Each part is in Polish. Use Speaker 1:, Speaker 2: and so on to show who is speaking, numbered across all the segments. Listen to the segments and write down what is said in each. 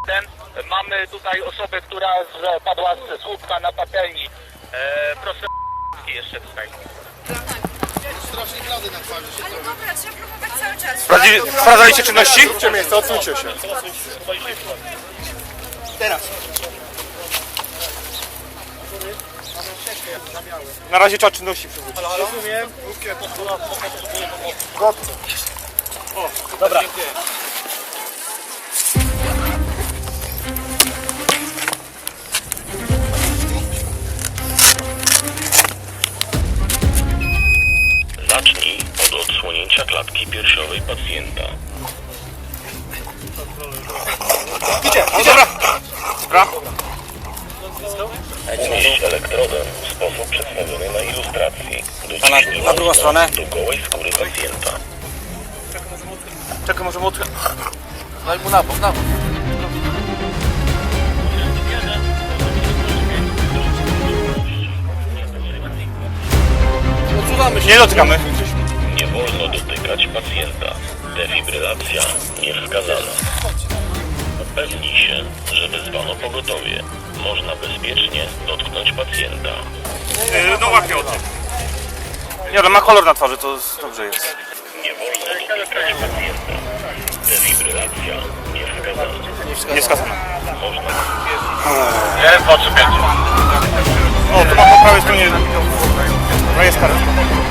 Speaker 1: Mamy tutaj osobę, która padła z słupka na patelni. Proszę jeszcze tutaj.
Speaker 2: Strasznie blady na twarzy się
Speaker 3: Ale dobra, trzeba próbować cały czas.
Speaker 4: Sprawdzaliście czynności?
Speaker 2: Róbcie miejsce, odsuńcie się. Teraz.
Speaker 4: Na razie trzeba czynności przywrócić.
Speaker 2: Rozumiem. Gotce.
Speaker 4: Dobra.
Speaker 5: Zacznij od odsłonięcia klatki piersiowej pacjenta.
Speaker 4: Idzie, dobra. Dobra.
Speaker 5: Umieść elektrodę w sposób przedstawiony na ilustracji. Dociśnij
Speaker 4: Na drugą stronę.
Speaker 5: do gołej skóry pacjenta.
Speaker 4: Czekaj, może młotkę.
Speaker 2: Daj mu na bok, na bok. Odsuwamy się.
Speaker 4: Nie dotykamy.
Speaker 5: Nie wolno dotykać pacjenta. Defibrylacja niewskazana. Upewnij się, że wezwano pogotowie. Można bezpiecznie dotknąć pacjenta.
Speaker 4: No łapię o tym. Nie, ale ma kolor na twarzy, to dobrze jest.
Speaker 5: Nie wolno dotykać pacjenta. Defibrylacja niewskazana.
Speaker 4: Nie skazana.
Speaker 5: Można
Speaker 1: 1, 2, 3, 5.
Speaker 4: O, tu mam po prawej stronie. No jest karetka.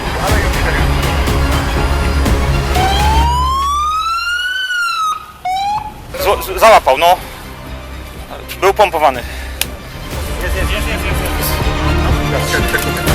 Speaker 4: Załapał, no. Był pompowany. Jest.